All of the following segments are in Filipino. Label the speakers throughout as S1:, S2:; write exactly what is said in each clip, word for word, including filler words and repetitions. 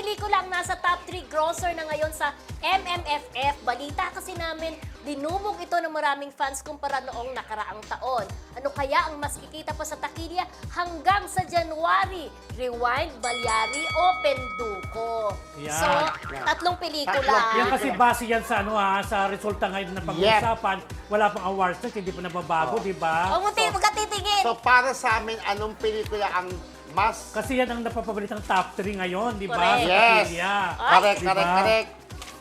S1: pelikula ang nasa top three grosser na ngayon sa M M F F. Balita kasi namin, dinubog ito ng maraming fans kumpara noong nakaraang taon. Ano kaya ang mas kikita pa sa takilya hanggang sa January? Rewind, Balyari o Penduko?
S2: Yan.
S1: So, tatlong pelikula.
S3: Tatlong
S2: Yan kasi base yan sa ano ha, sa resulta ngayon na pag-uusapan. Wala pang awards na, hindi pa nababago,
S3: Oh.
S2: di ba?
S1: Huwag mo so, magkatitigil.
S3: So para sa amin, anong pelikula ang mas...
S2: Kasi yan ang napapabalitang top three ngayon, di ba?
S1: Correct.
S2: Sa
S3: Yes.
S2: takilya.
S3: Correct,
S2: Diba?
S3: correct, correct.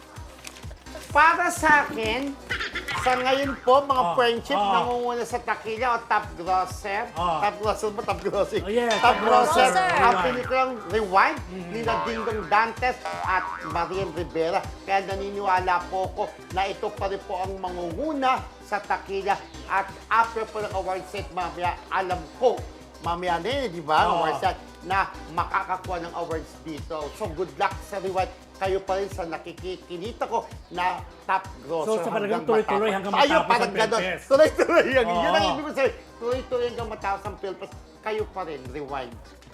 S3: Para sa akin, sa ngayon po, mga
S2: Oh,
S3: friendship,
S2: oh.
S3: nangunguna sa takilya o top grosser.
S2: Oh.
S3: Top grosser ba? Top grosser.
S2: Oh, yeah,
S3: top
S2: top
S3: grosser.
S1: grosser.
S3: Ang
S2: Rewind.
S3: pelikulang Rewind,
S2: Mm-hmm.
S3: ni Dingdong Dantes at Marian Rivera. Kaya naniniwala po ko na ito pa rin po ang mangunguna sa takilya. At after po ng award set, mamaya, alam ko, mamaya na yun, di ba?
S2: Oo.
S3: Award set, na makakakuha ng awards dito. So good luck sa Rewind. Kayo pa rin sa nakikikinita ko na top grosser.
S2: So, sa talagang tuloy-tuloy hanggang
S3: Ayun,
S2: matapos
S3: parang
S2: ang
S3: ganon.
S2: Philfest.
S3: Tuloy-tuloy. Yan,
S2: Oo.
S3: yun ang ibig ko sabihin. Tuloy-tuloy hanggang matapos ang Philfest. Kayo pa rin, Rewind.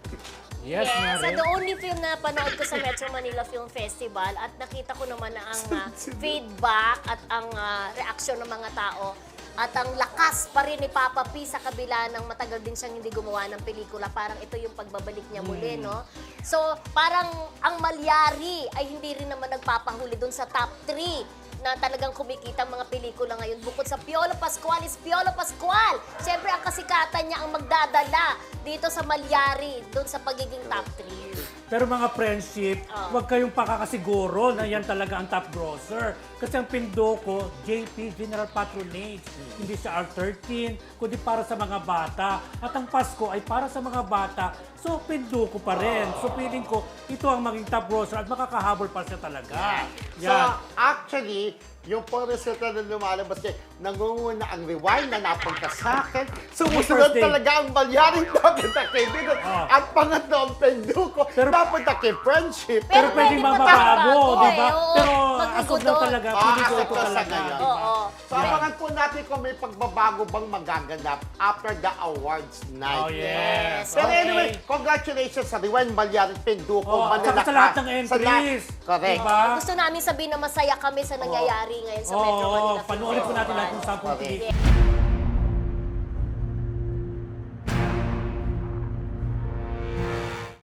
S2: Yes,
S1: Yes,
S2: Mare.
S1: so the only film na panood ko sa Metro Manila Film Festival at nakita ko naman na ang ah, feedback at ang ah, reaksyon ng mga tao at ang lakas pa rin ni Papa P sa kabila ng matagal din siyang hindi gumawa ng pelikula. Parang ito yung pagbabalik niya muli, no? So, parang ang Malyari ay hindi rin naman nagpapahuli dun sa top three na talagang kumikita ang mga pelikula ngayon. Bukod sa Piolo Pascual is Piolo Pascual. Siyempre, ang kasikatan niya ang magdadala dito sa Malyari, dun sa pagiging top three.
S2: Pero mga friendship,
S1: Oh.
S2: huwag kayong pakakasiguro na yan talaga ang top grosser. Kasi ang Pinduko, J P, General Patronage. Hindi siya R thirteen, kundi para sa mga bata. At ang Pasko ay para sa mga bata. So, Pinduko pa rin. So, feeling ko, ito ang maging top grosser at makakahabol pa siya talaga.
S3: So, actually, yung po resulta na lumalabas kay nangunguna ang Rewind na napunta sa akin. Sumusunod
S2: First day.
S3: talaga ang Balyari napunta kay Bidon.
S2: Oh.
S3: At pangatlo ang Penduko
S2: Pero-
S3: napunta kay Friendship.
S2: Pero pwede
S1: pa
S2: mababago,
S1: magbago
S2: di ba?
S1: eh, oo.
S2: Pero
S1: Magbigo
S2: as of now
S1: doon.
S2: talaga,
S3: Ah,
S2: feeling ko
S3: as of
S2: ito
S3: now sa
S2: talaga.
S3: ngayon.
S2: di ba?
S1: Oo.
S3: So, abangan po natin kung may pagbabago bang magaganap after the awards night.
S2: Oh, yes.
S3: Pero
S2: Okay.
S3: anyway, congratulations sa Rewind, Balyari, Penduko,
S2: Oh, at saka
S3: Manalakas.
S2: sa lahat ng
S3: Sa lahat.
S2: entries.
S3: Correct.
S2: Diba?
S1: Gusto namin sabihin na masaya kami sa nangyayari ngayon sa Metro
S2: Oo,
S1: Manila Film
S2: panoorin po natin
S1: Festival.
S2: lahat kung saan pong
S3: Correct.
S2: pelikula.